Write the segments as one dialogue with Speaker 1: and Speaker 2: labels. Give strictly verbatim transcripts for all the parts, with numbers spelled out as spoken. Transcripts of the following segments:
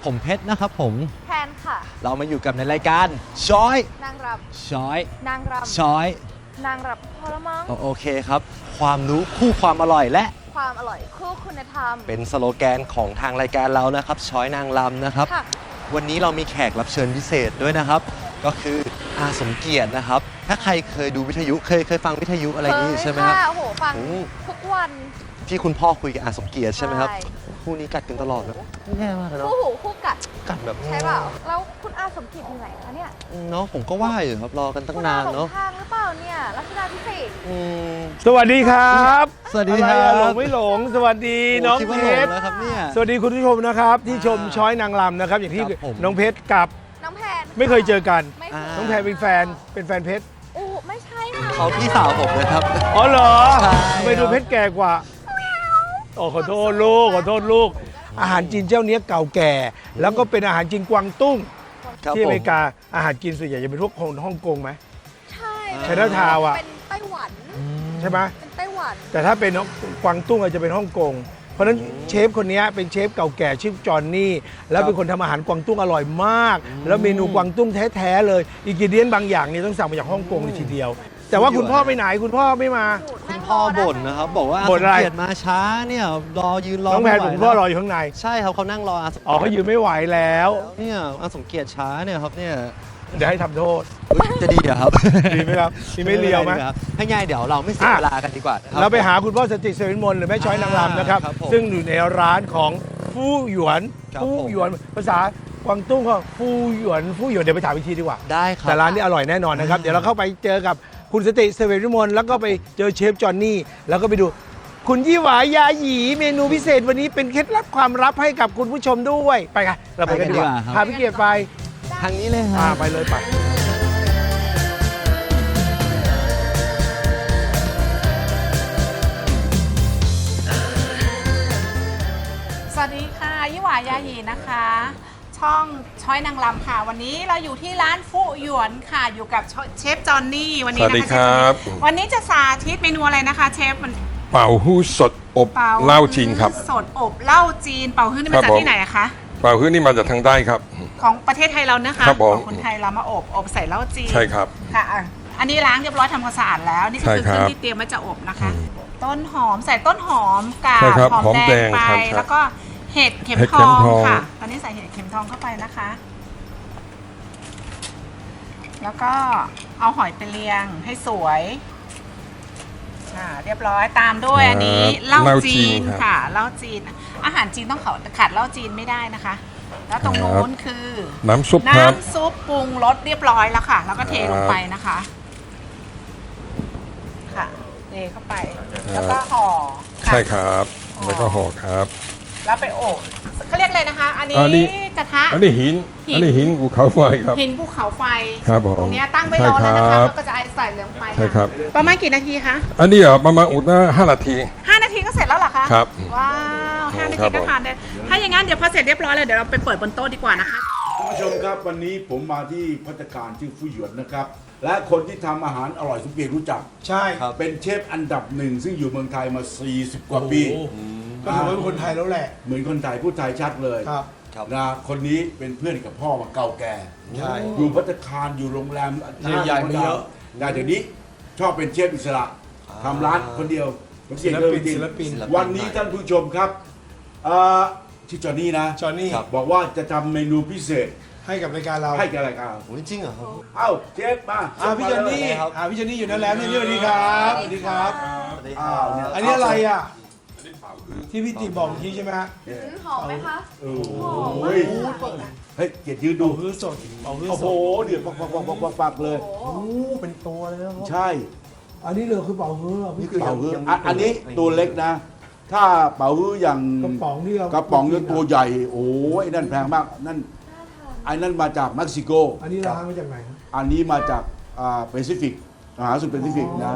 Speaker 1: ผมเพชรนะครับผม
Speaker 2: แพนค่ะ
Speaker 1: เรามาอยู่กับในรายการช้อย
Speaker 2: นางรำ
Speaker 1: ช้อย
Speaker 2: นางรำ
Speaker 1: ช้อย
Speaker 2: นางรำพอละมั้ง
Speaker 1: โอเคครับความรู้คู่ความอร่อยและ
Speaker 2: ความอร่อยคู่คุณธรรม
Speaker 1: เป็นสโลแกนของทางรายการเรานะครับช้อยนางรำนะครับวันนี้เรามีแขกรับเชิญพิเศษด้วยนะครับก็คืออาสมเกียรตินะครับถ้าใครเคยดูวิทยุเคยเคยฟังวิทยุอะไรนี้ใช่ไหมครับ
Speaker 2: โอ้โหฟังทุกวัน
Speaker 1: ที่คุณพ่อคุยกับอาสมเกียรติใช่ไหมครับคู่นี้กัดกันตลอดเลยแย่มากเลยเนาะ
Speaker 2: คู่หูคู่กัด
Speaker 1: กัดแบบ
Speaker 2: ใช่เปล่าแล้วคุณอาสมเกียรติอยู่ไหนคะเนี่ย
Speaker 1: เนาะผมก็ว่าอยู่ครับรอกันตั้งนานเนาะ
Speaker 2: ทางหรือเปล่าเนี่ยรัชดาพิเศษ
Speaker 3: สวัสดีครับ
Speaker 1: สวัสดีครับ
Speaker 3: หลงไม่หลงสวัสดีน้องเพชร
Speaker 1: นะครับเนี่ย
Speaker 3: สวัสดีคุณผู้ชมนะครับที่ชมช้อยนางรำนะครับอย่างที่น้องเพชรกับ
Speaker 2: น้องแพน
Speaker 3: ไม่เคยเจอกันน้องแพนเป็นแฟนเป็นแฟนเพชร
Speaker 2: โอ้ไม่ใช่ค่ะ
Speaker 1: เขาพี่สาวผมเลยครับ
Speaker 3: อ๋อเหรอไปดูเพชรแก่กว่าโอ้ขอโทษลูกขอโทษลูกอาหารจีนเจ้านี้เก่าแก่แล้วก็เป็นอาหารจีนกวางตุ้งที่อเมริกาอาหารจีนส่วนใหญ่จะเป็นพวกคนฮ่องกงไหม
Speaker 2: ใช่
Speaker 3: ไชน่าทาวน์อ่ะ
Speaker 2: เป็นไต้หวัน
Speaker 3: ใช่ไหม
Speaker 2: เป็นไต้หวัน
Speaker 3: แต่ถ้าเป็นกวางตุ้งอาจจะเป็นฮ่องกงเพราะฉะนั้นเชฟคนนี้เป็นเชฟเก่าแก่ชื่อจอห์นนี่แล้วเป็นคนทำอาหารกวางตุ้งอร่อยมากแล้วเมนูกวางตุ้งแท้ๆเลยอินกิเดียนบางอย่างนี่ต้องสั่งมาจากฮ่องกงเลยทีเดียวแต่ว่าคุณพ่อไปไหนคุณพ่อไม่มา
Speaker 1: คุณพ่อบ่นนะครับบอกว่าอาสมเกียรติมาช้าเนี่ยรอยืนรอ
Speaker 3: น้องแพนคุณพ่อรออยู่ข้างใน
Speaker 1: ใช่ครับเขานั่งรออาสม
Speaker 3: อ๋อเขายืนไม่ไหวแล้ว
Speaker 1: เนี่ยอาสมเกียรติช้าเนี่ยครับเนี่ย
Speaker 3: เดี๋ยวให้ทำโทษ
Speaker 1: จะดีเหรอครับ
Speaker 3: ดีไหมครับดีไม่เลียวไหม
Speaker 1: ให้ง่ายเดี๋ยวเราไม่เสียเวลากันดีกว่า
Speaker 3: เราไปหาคุณพ่อสติเสวินมนหรือแม่ช้อยนางรำนะครับซึ่งอยู่ในร้านของฟู่หยวนฟู่หยวนภาษากวางตุ้งเขาฟู่หยวนฟู่หยวนเดี๋ยวไปถามอีกทีดีกว่า
Speaker 1: ได้ครับ
Speaker 3: แต่ร้านนี้อร่อยแน่นอนนะครับเดี๋ยวเราเข้าไปเจอกับคุณสติเสวินมนแล้วก็ไปเจอเชฟจอห์นนี่แล้วก็ไปดูคุณยี่หวายาหยีเมนูพิเศษวันนี้เป็นเคล็ดลับความลับให้กับคุณผู้ชมด้วยไปกันเราไปกันดีกว่าพาพี่เกียรติไป
Speaker 1: ทางนี้เลยครับ
Speaker 3: ไปเลยไป
Speaker 4: สวัสดีค่ะยี่หวายาหยีนะคะช่องช้อยนางรำค่ะวันนี้เราอยู่ที่ร้านฟู่หยวนค่ะอยู่กับเชฟจอห์นนี่วันนี้นะคะ
Speaker 5: สวัสดีครับ
Speaker 4: วันนี้จะสาธิตเมนูอะไรนะคะเชฟมัน
Speaker 5: เป่าฮู้สดอบเหล้าจีนครับ
Speaker 4: สดอบเหล้าจีนเป่าฮื้อนี่มาจากที่ไหนอะคะ
Speaker 5: เป่าฮื้อนี่มาจากทางใต้ครับ
Speaker 4: ของประเทศไทยเรานะคะ
Speaker 5: ของ
Speaker 4: คนไทยเรามาอบอบใส่เหล้าจีน
Speaker 5: ใช่ครับ
Speaker 4: ค่ะอันนี้ล้างเรียบร้อยทำความสะอาดแล้วนี่คือเครื่องที่เตรียมไว้จะอบนะคะต้นหอมใส่ต้นหอมกับหอมแดงไปแล้วก็เห็ดเข็มทองค่ะตอนนี้ใส่เห็ดเข็มทองเข้าไปนะคะแล้วก็เอาหอยไปเรียงให้สวยอ่าเรียบร้อยตามด้วยอันนี้เหล้าจีนค่ะเหล้าจีนอาหารจีนต้องขาดเหล้าจีนไม่ได้นะคะแล้วตรงโน้นคือ
Speaker 5: น้ำซุป
Speaker 4: น้ำซุปปรุงรสเรียบร้อยแล้วค่ะแล้วก็เทลงไปนะคะค่ะเทเข้าไปแล้วก็ห่อ
Speaker 5: ใช่ครับแล้วก็ห่อครับ
Speaker 4: แล้วไปอบเขาเรียกอะไรนะคะอันนี้กระทะ
Speaker 5: อันนี้หินอันนี้หินภูเขาไฟครับ
Speaker 4: หินภูเขาไฟ
Speaker 5: ครับผม
Speaker 4: ตรงนี้ตั้งไว้รอแล้วนะคะแล้วก็จะใส่เหลืองไฟ
Speaker 5: ใช่ครับ
Speaker 4: ประมาณกี่นาทีคะ
Speaker 5: อันนี้อ่ะประมาณอุดนะห้านาที
Speaker 4: ห้านาทีก็เสร็จแล้วเหรอคะ
Speaker 5: ครับ
Speaker 4: ว้าวห้านาทีก็ทานได้ถ้าอย่างนั้นเดี๋ยวพอเสร็จเรียบร้อยเลยเดี๋ยวเราไปเปิดบนโต๊ะดีกว่านะคะ
Speaker 6: คุณผู้ชมครับวันนี้ผมมาที่ภัตตาคารชื่อฟู่หยวนนะครับและคนที่ทำอาหารอร่อยสุดเกียรติรู้จัก
Speaker 3: ใช่
Speaker 6: ครับเป็นเชฟอันดับหนึ่งซึ่งอยู่เมืองไทยมาสี่สิบกว่าปี
Speaker 3: ก็ถือว่าเป็นคนไทยแล้วแหละ
Speaker 6: เหมือนคนไทยพูดไทยชัดเลย
Speaker 3: ครับ
Speaker 6: นะคนนี้เป็นเพื่อนกับพ่อมาเก่าแก่
Speaker 3: ใช่
Speaker 6: อยู่ภัตตาคารอยู่โรงแรม
Speaker 3: ใหญ่ไม่เยอะ
Speaker 6: แต่เดี๋ยวนี้ชอบเป็นเชฟอิสระทำร้านคนเดียว
Speaker 3: ศิลปินศิลปิน
Speaker 6: วันนี้ท่านผู้ชมครับชื่อจอห์นนี่นะ
Speaker 3: จอห์นนี่
Speaker 6: บอกว่าจะทำเมนูพิเศษ
Speaker 3: ให้กับรายการเรา
Speaker 6: ให้กับรายการ
Speaker 1: จริงเหรอครับ
Speaker 6: เอ้าเชฟมา
Speaker 3: อ่าพี่จอห์นนี่อ่าพี่จอห์นนี่อยู่นั่นแล้วนี่สวัสดีครับสวัสดีครับอันนี้อะไรอ่ะที่พี่ติบอกทีใช่ไหมฮะ
Speaker 2: หอมไหมคะ
Speaker 6: โอ้โหเฮ้ยเกียรติยืนดู
Speaker 3: ฮื้อสด
Speaker 6: โอ้โหเดือดปักปักปักปักปักปักเลย
Speaker 3: โอ้เป็นตัวเลยครับ
Speaker 6: ใช่
Speaker 3: อันนี้เลยคือเป่าฮื้อ
Speaker 6: นี่คือเป่าฮื้ออันนี้ตัวเล็กนะถ้าเป่าฮื้ออย่าง
Speaker 3: กระป๋องที่เรา
Speaker 6: กระป๋องนี่ตัวใหญ่โอ้ยนั่นแพงมากนั่นไอ้นั่นมาจากเม็กซิโก
Speaker 3: อันนี้ร้านมาจากไหน
Speaker 6: อันนี้มาจากอ่าแปซิฟิกมหาสมุทรแปซิฟิกนะ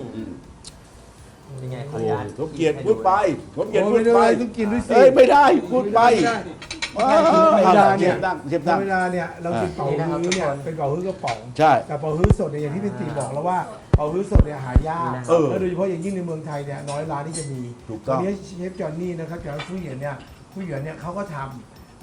Speaker 1: ยังไงขออนุญาต
Speaker 6: ผมเกียรติพูดไปผมเกียรติพูดไป
Speaker 3: ต้องกินด้วยสิ
Speaker 6: เอ้ยไม่ได้พูดไป
Speaker 3: ธรรมดาเนี่ยธรรมดาเนี่ยเรากินเป่าฮื้อเนี่ยเป็นเป่าฮื้อกระป๋อง
Speaker 6: ใช่
Speaker 3: แต่เป่าฮื้อสดเนี่ยอย่างที่พี่ตีบอกแล้วว่าเป่าฮื้อสดเนี่ยหายากแล้วโดยเฉพาะอย่างยิ่งในเมืองไทยเนี่ยน้อยร้านที่จะมีตอนนี้เชฟจอห์นนี่นะครับจากฟู่หยวนเนี่ยฟู่หยวนเนี่ยเขาก็ทำ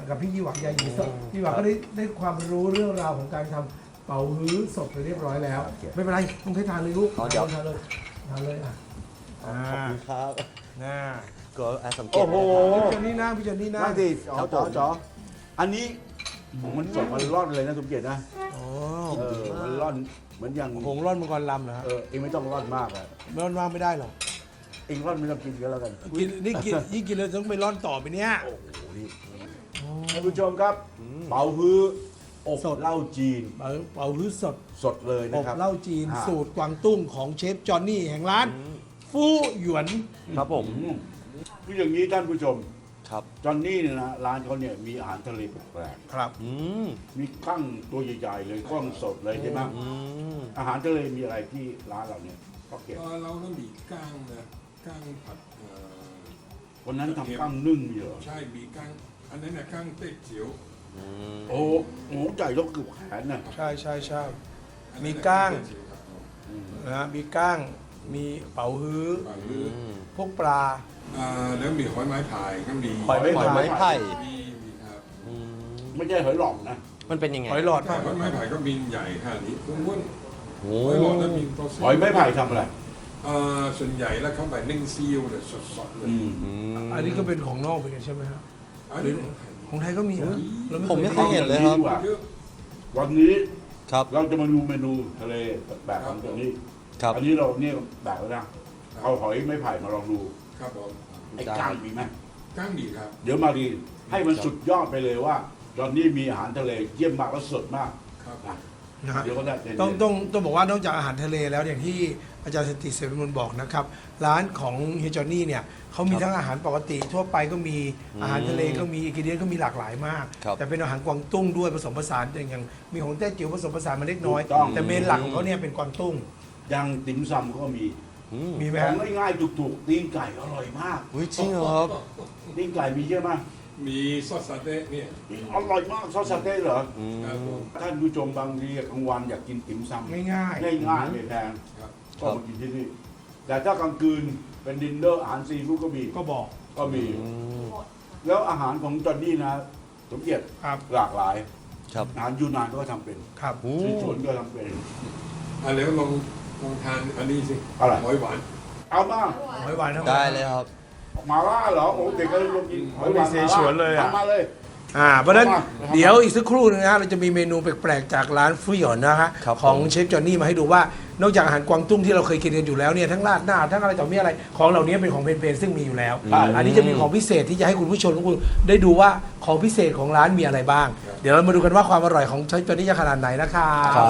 Speaker 3: กับพี่ยี่หวังยาหยีสดพี่หวังก็ได้ได้ความรู้เรื่องราวของการทำเป๋าฮื้อสดไปเรียบร้อยแล้ว ไม่เป็นไรต้องให้ทานเลยลูก
Speaker 1: เอาเดี๋ยว
Speaker 3: ทานเลยทานเลยอ่ะ
Speaker 1: ขอบคุณครับ
Speaker 3: น่า
Speaker 1: ก็อาสมเกีย
Speaker 6: โอ้
Speaker 1: รติ
Speaker 6: โห
Speaker 1: นะครับ
Speaker 3: พี่เจนนี่นั่งพี่เจนนี่นั่ง
Speaker 6: นั่งสิจ๋อ
Speaker 1: ครับ
Speaker 6: จ๋อ
Speaker 1: ผม
Speaker 6: จ๋ออันนี้มันสดมันร่อนเลยนะสมเกียรตินะ
Speaker 3: อ๋อ
Speaker 6: เออมันร่อนเหมือนอย่าง
Speaker 3: หงร่อนมังกรลำเหรอฮะ
Speaker 6: เออเองไม่ต้องร่อนมากอะ
Speaker 3: ร่อนว่างไม่ได้หรอก
Speaker 6: เองร่อนไม่ต้องกินก็แล้วกัน
Speaker 3: กินนี่กินยิ่งกินเลยต้องไปร่อนต่อไปเนี้ย
Speaker 6: โอ้โหนี่ท่านผู้ชมครับเป๋าฮื้ออบ
Speaker 3: สด
Speaker 6: เหล้าจีน
Speaker 3: เป๋าเป๋าฮื้อสด
Speaker 6: สดเลย
Speaker 3: อ
Speaker 6: นะ
Speaker 3: บ
Speaker 6: ครับ
Speaker 3: เหล้าจีน
Speaker 6: อ่า
Speaker 3: สูตรกวางตุ้งของเชฟจอห์นนี่แห่งร้านฟู่หยวน
Speaker 1: ครับผม
Speaker 6: อืมคืออย่างนี้ท่านผู้ชม
Speaker 1: ครับ
Speaker 6: จอนนี่เนี่ยนะร้านเขาเนี่ยมีอาหารทะเลแปลก
Speaker 3: ครับ
Speaker 1: อืม
Speaker 6: ๆมีกั้งตัวใหญ่ๆเลยกล้องสดเลยใช่ไหม
Speaker 1: อืม
Speaker 6: อาหารทะเลมีอะไรที่ร้านเราเนี่ยก็เก็บ
Speaker 5: เอ่อเราต้องมีก้างนะก้างผัดเอ่อ
Speaker 6: วันนั้นทำกั้งนึ่งมีเหรอ
Speaker 5: ใช่มีก้างอันนั้นนะก้างเต๊กเจียว
Speaker 1: อืม
Speaker 6: โอ้โหหมูใหญ่ต้องเกือบแขนน่ะ
Speaker 3: ใช่ใช่ใช่
Speaker 5: อันนั้น
Speaker 3: มี
Speaker 5: น่ะ
Speaker 3: ก้าง
Speaker 5: เต๊เจียวครับผม
Speaker 3: นะฮะมีก้าง มีเป๋าฮื้อ
Speaker 5: อ่าหรือ
Speaker 3: พวกปลา
Speaker 5: อ่าแล้วมีหอยไม้พายก็มี
Speaker 3: หอยไม้
Speaker 1: หอยไม้ไผ่
Speaker 5: มีมีครับ
Speaker 1: อืม
Speaker 6: ไม่ใช่หอยหลอกนะ
Speaker 1: มันเป็นยังไง
Speaker 3: หอยหลอด
Speaker 5: ถ้า
Speaker 3: ป่ะ
Speaker 5: หอยไม้พายก็มีใหญ่ขนาดนี้ม้วน
Speaker 1: โอ้
Speaker 5: ๆหอยหลอดแล้วมีตัวเส้น
Speaker 6: หอยไม้ไผ่ทำอะไร
Speaker 5: อ่าส่วนใหญ่แล้วเข้าไปนึ่งซีอิ๊วเลยสดๆเลย
Speaker 6: อืม
Speaker 1: อืม
Speaker 3: อันนี้ก็เป็นของนอกเป็นไงใช่ไหมครับ
Speaker 5: อันนี้
Speaker 3: ของไทยก็มีเหรอเรา
Speaker 1: ผมไม่เค
Speaker 3: ย
Speaker 1: ยเห็นเลยครับ
Speaker 6: ดีกว่า
Speaker 5: เยอะ
Speaker 6: วันนี้
Speaker 1: ครับ
Speaker 6: เราจะมาดูเมนูทะเลแบบของจอนนี่
Speaker 1: ครับ
Speaker 6: อันนี้เราเนี่ยแบบแล้วนะเอาหอยไม้ไผ่มาลองดู
Speaker 5: ครับผม
Speaker 6: ไอ้กั้งมีไหม
Speaker 5: ก้างดีครับ
Speaker 6: เดี๋ยวมาดีให้มันสุดยอดไปเลยว่าจอนนี่มีอาหารทะเลเยี่ยมมากและสดมาก
Speaker 5: ครับ
Speaker 6: นะ
Speaker 3: นะฮะ
Speaker 6: เดี๋ยวก็ได้เย็นๆ
Speaker 3: ต้องต้องต้องบอกว่านอกจากอาหารทะเลแล้วอย่างที่อาจารย์สนติเสวิมลบอกนะครับ ร้านของเฮียจอห์นนี่เนี่ยเขามีทั้งอาหารปกติทั่วไปก็มีอาหารทะเลก็มีอิกิเดียนก็มีหลากหลายมาก
Speaker 1: ครับ
Speaker 3: แต่เป็นอาหารกวางตุ้งด้วยผสมผสานอย่างอย่างมีของแต้จิ๋วผสมผสานมาเล็กน้อย
Speaker 6: ถูกต้อง
Speaker 3: แต่เมนหลักของเขาเนี่ยเป็นกวางตุ้ง
Speaker 6: ยังติ่มซำก็มี
Speaker 1: อืม
Speaker 3: มีไหม
Speaker 6: ขอ
Speaker 3: ฮะ
Speaker 6: งง่ายๆถูกๆตีนไก่อร่อยมาก
Speaker 1: อุ้ยจริงเหรอครับ
Speaker 6: ตีนไก่มีเยอะมาก
Speaker 5: มีซอสซาเต้เนี่ย
Speaker 6: อร่อยมากซอสสเต๊ะเหรอ
Speaker 1: อืม
Speaker 5: ครับผม
Speaker 6: ท่านผู้ชมบางทีกลางวันอยากกินติ่มซำ
Speaker 3: ง่ายง่าย
Speaker 6: ง่ายๆไม่แพง
Speaker 5: ครับ
Speaker 6: ก็มากินที่นี่ แต่ถ้ากลางคืนเป็นดินเนอร์อาหารซีฟู้ดก็มี
Speaker 3: ๆก็บอก
Speaker 6: ก็มี
Speaker 1: อืม
Speaker 6: แล้วอาหารของจอนนี่นะสมเกียรติ
Speaker 3: ครับ
Speaker 6: หลากหลาย
Speaker 1: ครับ
Speaker 6: อาหารยูนานก็ทำเป็น
Speaker 3: ครับ
Speaker 1: อื
Speaker 6: ซี
Speaker 1: ม
Speaker 6: สวนก็ทำเป็น
Speaker 5: อ่ะแล้วลองลองทานอันนี้สิ
Speaker 6: อะไร
Speaker 5: หอยหวาน
Speaker 6: เอามา
Speaker 3: หอยหวานทั้งหม
Speaker 1: ได้เลยครับ
Speaker 6: มาล่าเหรอโอ้เด็กก็เลยลงกินหอยหวาน
Speaker 3: มีเสฉวนเลยอะ
Speaker 6: ทำมาเลย
Speaker 3: อ่าเพราะฉะนั้น
Speaker 6: เอามา
Speaker 3: เดี๋ยวอีกสักครู่นึงนะฮะเราจะมีเมนูแปลกๆจากร้านฟุยหยอนนะฮะ
Speaker 1: ครับ
Speaker 3: ของ
Speaker 1: ผม
Speaker 3: เชฟจอห์นนี่มาให้ดูว่านอกจากอาหารกวางตุ้งที่เราเคยกินกันอยู่แล้วเนี่ยทั้งราดหน้าทั้งอะไรต่อมีอะไรของเหล่านี้เป็นของเพนๆซึ่งมีอยู่แล้ว
Speaker 6: ใช่
Speaker 3: อันนี้จะมีของพิเศษที่จะให้คุณผู้ชมทุกคนได้ดูว่าของพิเศษของร้านมีอะไรบ้าง เดี๋ยวเรามาดูกันว่าความอร่อยของเชฟจอห์นนี่จะขนาดไหนนะคะ
Speaker 1: ครับ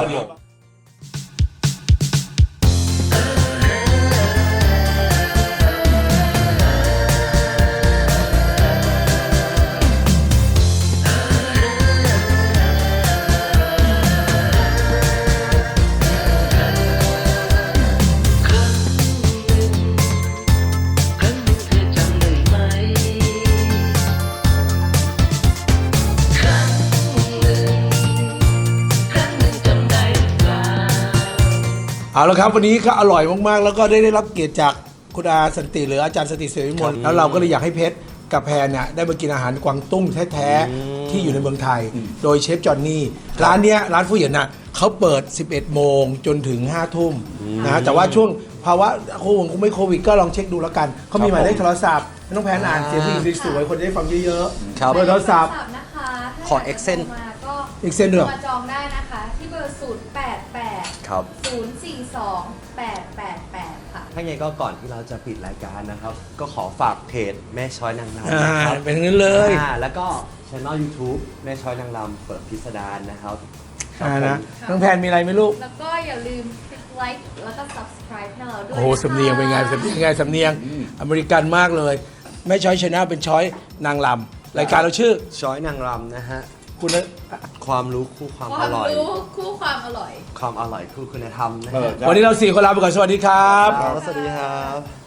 Speaker 3: เอาละครับวันนี้ก็อร่อยมากๆ แล้วก็ได้ได้รับเกียรติจากคุณอาสันติหรืออาจารย์สันติเสวิมลแล้วเราก็เลยอยากให้เพชรกับแพรเนี่ยได้มากินอาหารกวางตุ้งแท้ๆที่อยู่ในเมืองไทย โดยเชฟจอห์นนี่ร้านเนี้ยร้านฟูเหยียนน่ะเขาเปิด สิบเอ็ดโมงจนถึงห้าทุ่มนะแต่ว่าช่วงภาวะโควิดคงไม่โควิดก็ลองเช็คดูแล้วกันเขามีหมายเลขโทรศัพท์น้องแพรอ่านเสียงผู้หญิงสวยๆคนจะได้ฟังเยอะ
Speaker 1: ครับ
Speaker 3: ๆเบอร์โทรศัพท์
Speaker 2: นะคะถ้า
Speaker 1: ขอ
Speaker 2: ยากจะ
Speaker 1: Accent
Speaker 2: โทรมาก็
Speaker 3: Accent ด้วยเหรอ
Speaker 2: มาจองได้นะคะ ที่เบอร์ ศูนย์ แปด แปด
Speaker 1: ครับ
Speaker 2: ศูนย์ สี่ สอง แปด แปด แปด ค่ะ
Speaker 1: ถ้าไงก็ก่อนที่เราจะปิดรายการนะครับ ก็ขอฝากเพจแม่ช้อยนางรำ
Speaker 3: อ่า
Speaker 1: นะครับ
Speaker 3: เป็นอย่างนั้นเลย
Speaker 1: อ่าแล้วก็ช่อง YouTube แม่ช้อยนางรำเปิดพิสดารนะครับ
Speaker 3: อ่า
Speaker 1: ครั
Speaker 3: นะ
Speaker 1: บผม
Speaker 3: น้องแพนมีอะไรไหมลูก
Speaker 2: แล้วก็อย่าลืมคลิกไลค์แล้วก็ subscribe ให้เราด้วย
Speaker 3: โอ้โห
Speaker 2: ะคะ
Speaker 3: สำเนียงเป็นไงสำเนียงไงสำเนียงอเมริกันมากเลยไม่ช้อยชนะเป็นช้อยนางลำรายการเราชื่อ
Speaker 1: ช้อยนางรำนะฮะ
Speaker 3: คุณ
Speaker 1: ความรู้คู่ความ
Speaker 2: ค
Speaker 1: อ
Speaker 2: วาม
Speaker 1: ร่อย
Speaker 2: รู้คู่ความอร่อย
Speaker 1: ความอร่อยคู่คุณธรรมนะ
Speaker 6: เอ
Speaker 1: ฮะ
Speaker 6: อ
Speaker 3: วันนี้เราสี่คนลาไปก่อนสวัสดีครับ
Speaker 1: ครับสวัสดีครับ